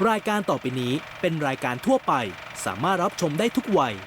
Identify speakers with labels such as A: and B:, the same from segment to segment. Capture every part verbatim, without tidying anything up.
A: รายการต่อไปนี้เป็นรายการทั่วไปสามารถรับชมได้ทุกวัย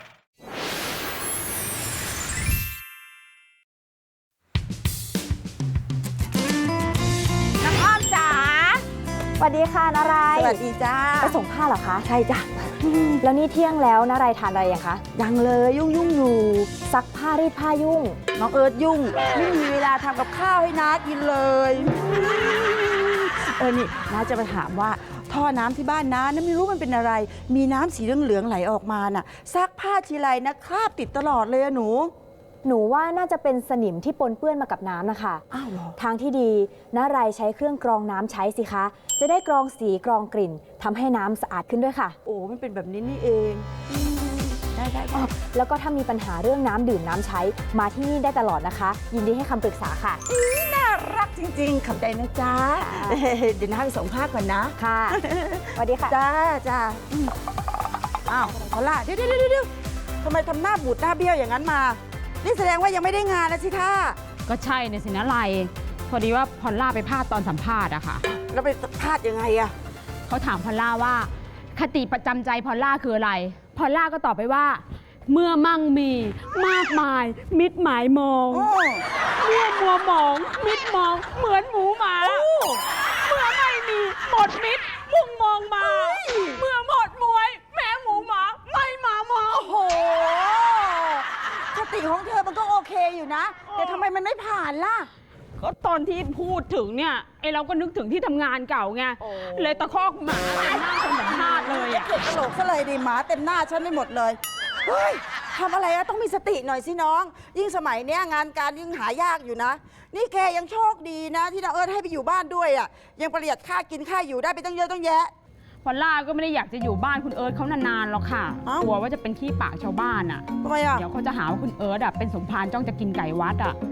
B: น้ำอ้อมจ๋าสวัสดีค่ะนารายสวัสดีจ้าไปส่งผ้าเหรอคะใช่จ้ะแล้วนี่เที่ยงแล้วนารายทานอะไรยังคะยังเลยยุ่งยุ่งอยู่ซักผ้ารีดผ้ายุ่งน้องเอิร์ธยุ่งไม่มีเวลาทำกับข้าวให้น้ากินเลยเออนี่น้าจะไปถามว่าท่อน้ำที่บ้านน้านะไม่รู้มันเป็นอะไรมีน้ำสีเหลืองๆไหลออกมาน่ะซักผ้าทีไรนะคราบติดตลอดเลยอะหนูหนูว่าน่าจะเป็นสนิมที่ปนเปื้อนมากับน้ำนะคะอ้าวเหรอทางที่ดีนารายใช้เครื่องกรองน้ำใช้สิคะจะได้กรองสีกรองกลิ่นทำให้น้ำสะอาดขึ้นด้วยค่ะโอ้มันเป็นแบบนี้นี่เองได้ได้แล้วก็ถ้ามีปัญหาเรื่องน้ำดื่มน้ำใช้มาที่นี่ได้ตลอดนะคะยินดีให้คำปรึกษาค่ะน่ารักจริงๆขอบใจนะจ๊ะเดี๋ยวน้าไปส่งผ้าก่อนนะค่ะสวัสดีค่ะจ้าจ้าอ้าวพอล่ะเดี๋ยวเดี๋ยวเดี๋ยวทำไมทำหน้าบูดหน้าเบี้ยวอย่างนั้นมานี่แสดงว่ายังไม่ได้งานแล้วสิท่า
C: ก็ใช่เนี่ยสินะไรพอดีว่าพอลล่าไปพลาดตอนสัมภาษณ์อะค่ะ
B: แล้วไปพลาดยังไงอะ
C: เขาถามพอลล่าว่าคติประจำใจพอลล่าคืออะไรพอลล่าก็ตอบไปว่าเมื่อมั่งมีมากมายมิดหมายมองเมื่อมัวมองมิดมองเหมือนหมูหมาเมื่อไม่มีหมดมิดมุ่งมองมาเมื่อหมดมวยแม้หมูหมาไม่มามอง
B: โอ้โหคติของเธอมันก็โอเคอยู่นะแต่ทำไมมันไม่ผ่านล่ะ
C: ก็ตอนที่พูดถึงเนี่ยไอเราก็นึกถึงที่ทำงานเก่าไงเลยตะคอกหมาเต็มหน้าคนสัมภาษณ์เลยอะ
B: เกิดตลกซะเลยดิหมาเต็มหน้าฉันไม่หมดเลยเฮ้ยทำอะไรอะต้องมีสติหน่อยสิน้องยิ่งสมัยเนี้ยงานการยิ่งหายากอยู่นะนี่แกยังโชคดีนะที่น้าเอิร์ธให้ไปอยู่บ้านด้วยอะยังประหยัดค่ากินค่าอยู่ได้ไปตั้งเยอะตั้งแยะ
C: พอลล่าก็ไม่ได้อยากจะอยู่บ้านคุณเอิร์ธเขานานๆหรอกค่ะกลัวว่าจะเป็นขี้ปากชาวบ้านอ่ะ
B: ทำไมอ่ะ
C: เดี๋ยวเขาจะหาว่าคุณเอิร์ธอ่ะเป็นสมภารจ้องจะกินไก่วัดอ่ะ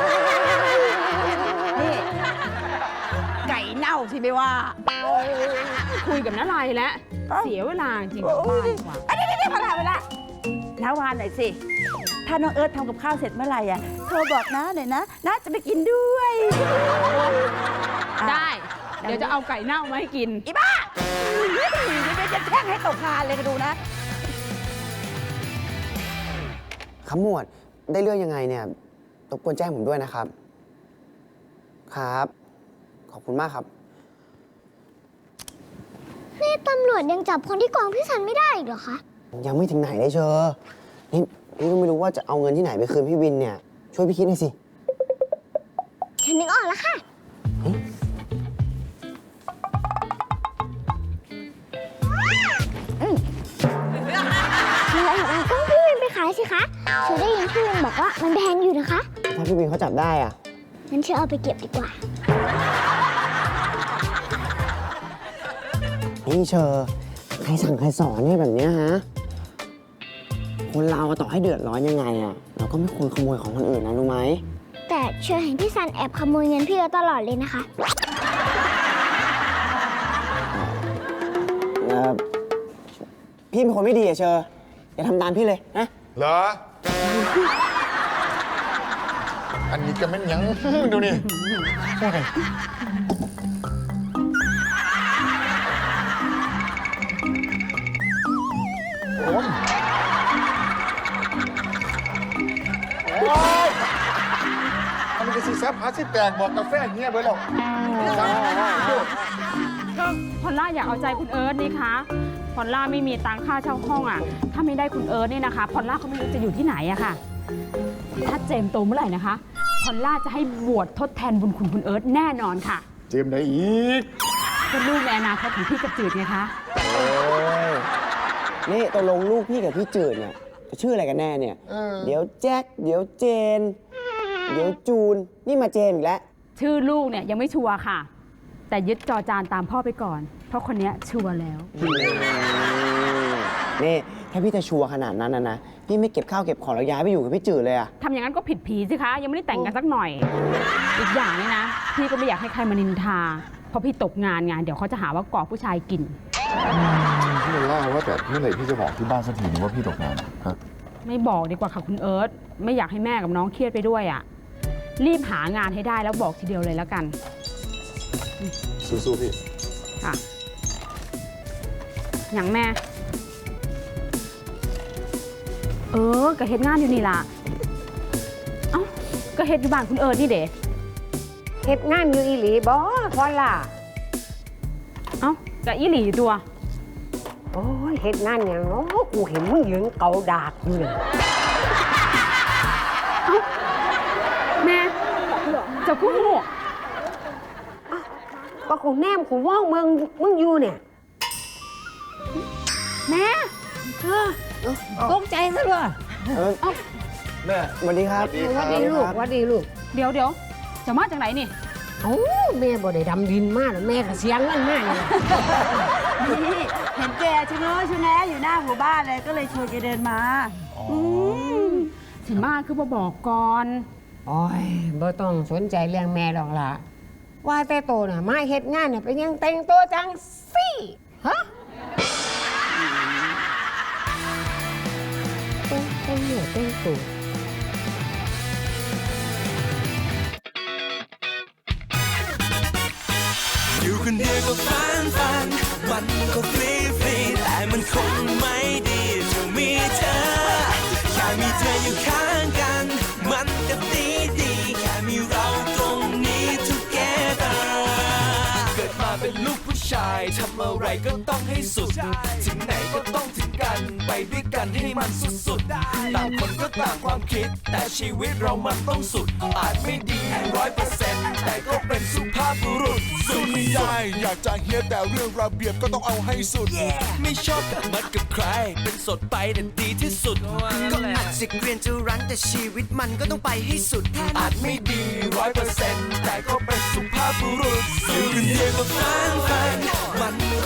B: นี่ไก่เน่าสิไม่ว่า
C: คุยกับน้าลายแล้วเสียเวลาจริงๆบ้านดีกว่า
B: เดี๋ยวเดี๋ยวพอละเวลาน้าวานหน่อยสิถ้าน้องเอิร์ธทำกับข้าวเสร็จเมื่อไหร่อ่ะโทรบอกน้าหน่อยนะน้าจะไปกินด้วย
C: ได้เดี๋ยวจะเอาไก่เน่ามาให้กิน
B: อีบ้าเดี๋ยวจะแช่งให้ตกงานเลยไปดูนะ
D: ขมวดได้เรื่องยังไงเนี่ยรบกวนแจ้งผมด้วยนะครับครับขอบคุณมากครับ
E: นี่ตำรวจยังจับคนที่กองพี่สันไม่ได้อีกเหรอคะ
D: ยังไม่ถึงไหนเลยเชอนี่พี่ก็ไม่รู้ว่าจะเอาเงินที่ไหนไปคืนพี่วินเนี่ยช่วยพี่คิดหน่อยสิ
E: ฉันนึกออกแล้วค่ะต้องพี่วินไปขายสิคะเชอได้ยินพี่วินบอกว่ามันแพงอยู่นะคะ
D: ถ้าพี่วินเขาจับได้อ่ะ
E: งั้นเชอเอาไปเก็บดีกว่า
D: นี่เชอใครสั่งใครสอนเนี่ยแบบนี้ฮะคนเราต่อให้เดือดร้อนยังไงอ่ะเราก็ไม่ควรขโมยของคนอื่นนะรู้ไหม
E: แต่เชอเห็นพี่ซันแอบขโมยเงินพี่ตลอดเลยนะคะ
D: เออพี่เป็นคนไม่ดีอะเชออย่าทำตามพี่เลยนะ
F: เหรออันนี้ก็ไม่ยังดูนี่โอ้ยโอ้ยโอ้ยอันนี้ก็สีแซ่บพาสิแตกบอกกาแฟเงี้ยเบอร์หรอก
C: ก็พอลล่าอยากเอาใจคุณเอิร์ธนี่คะพอลล่าไม่มีตังค่าเช่าห้องอ่ะถ้าไม่ได้คุณเอิร์ธเนี่ยนะคะพอลล่าเขาไม่รู้จะอยู่ที่ไหนอะค่ะถ้าเจมโตเมื่อไหร่นะคะพอลล่าจะให้บวชทดแทนบุญคุณคุณเอิร์ธแน่นอนค่ะ
F: เจมได้อีก
C: เป็นลูกในอนาคตของพี่กับจืดไงคะ
D: โอ้ยนี่ตกลงลูกพี่กับพี่จืดเนี่ยชื่ออะไรกันแน่เนี่ยเดี๋ยวแจ็คเดี๋ยวเจนเดี๋ยวจูนนี่มาเจมอีกแล้ว
C: ชื่อลูกเนี่ยยังไม่ชัวร์ค่ะแต่ยึดจอจานตามพ่อไปก่อนเพราะคนนี้ชัวร์แล้ว
D: นี่ถ้าพี่จะชัวร์ขนาดนั้นนะนะพี่ไม่เก็บข้าวเก็บของแล้วย้ายไปอยู่กับพี่จืดเลยอะ
C: ทำอย่างนั้นก็ผิดผีสิคะยังไม่ได้แต่งกันสักหน่อยอีกอย่างนี่นะพี่ก็ไม่อยากให้ใครมานินทาเพราะพี่ตกงานไงเดี๋ยวเขาจะหาว่าก่อผู้ชายกิน
F: พี่เลยว่าว่าแต่เมื่อไหร่พี่จะบอกที่บ้านสักทีนึงว่าพี่ตกงานฮะ
C: ไม่บอกดีกว่าค่ะคุณเอิร์ธไม่อยากให้แม่กับน้องเครียดไปด้วยอ่ะรีบหางานให้ได้แล้วบอกทีเดียวเลยแล้วกัน
F: สู้ๆพี่
C: ค่ะอย่างแม่ เออก็เฮ็ดงานอยู่นี่ล่ะ เอ้าก็เฮ็ดอยู่บ้านคุณเอิร์ดนี่เด้
G: เฮ็ดงานอยู่อีหลีบ่พอล่ะ
C: เอ้าก็อีหลีตัว
G: โอ้ยเฮ็ดงานหยังเนาะกูเห็นมึงยืนเกาดากอยู่เลย
C: แม่เจะคู่หู
G: ก็กูแนมกูว่องมึงมึงอยู่เนี่ย
C: แม่
G: ตกใจซะด้วย
D: เออ
F: แม่
D: สวัสดีครับ
G: หวัดดีลูกหวัดดีลูก
C: เดี๋ยวเดี๋ยวจะมาจากไหนนี่
G: เอ้าแม่บ่ได้ดำดินมาแล้วแม่ก็เสียงเงินมาเนี่ย
H: นี่เห็นแกชะเง้อชะแงะอยู่หน้าหมู่บ้านเลยก็เลยชวนแกเดินมา
C: สิมาคือบ่บอกก่อน
G: โอ้ยบ่ต้องสนใจเรื่องแม่หรอกล่ะ ว่าแต่โตน่ะมาเฮ็ดงานน่ะเป็นยังแต่งตัวจังสิฮะแต่งแต่งเนี่ยแต่งตัว
I: อยู่คนเดียวก็ฟันฟันมันก็ฟรีฟรีแต่มันคงไม่ดีจะมีเธอแค่มีเธออยู่ข้างกันมันก็ดีดีแค่มีเราตรงนี้ together เกิดมาเป็นลูกผู้ชายทำอะไรก็ต้องให้สุดถึงไหนก็ต้องถึงกันไปด้วยกันให้มันสุดๆต่างคนก็ต่างความคิดแต่ชีวิตเรามันต้องสุดอาจไม่ดีร้อยเปอร์เซ็นต์แต่ก็เป็นสุภาพบุรุษสุด
F: ไม่ได้ อยากจะเฮียแต่เรื่องระเบียบก็ต้องเอาให้สุด
I: ไม่ชอบกับมัดกับใคร เป็นสดไปแต่ดีที่สุด ก็อาจจะเกรียนจะรั้นแต่ชีวิตมันก็ต้องไปให้สุด อาจไม่ดีร้อยเปอร์เซ็นต์แต่ก็เป็นสุภาพบุรุษอยู่คนเดียวก็ฟันฟันมัน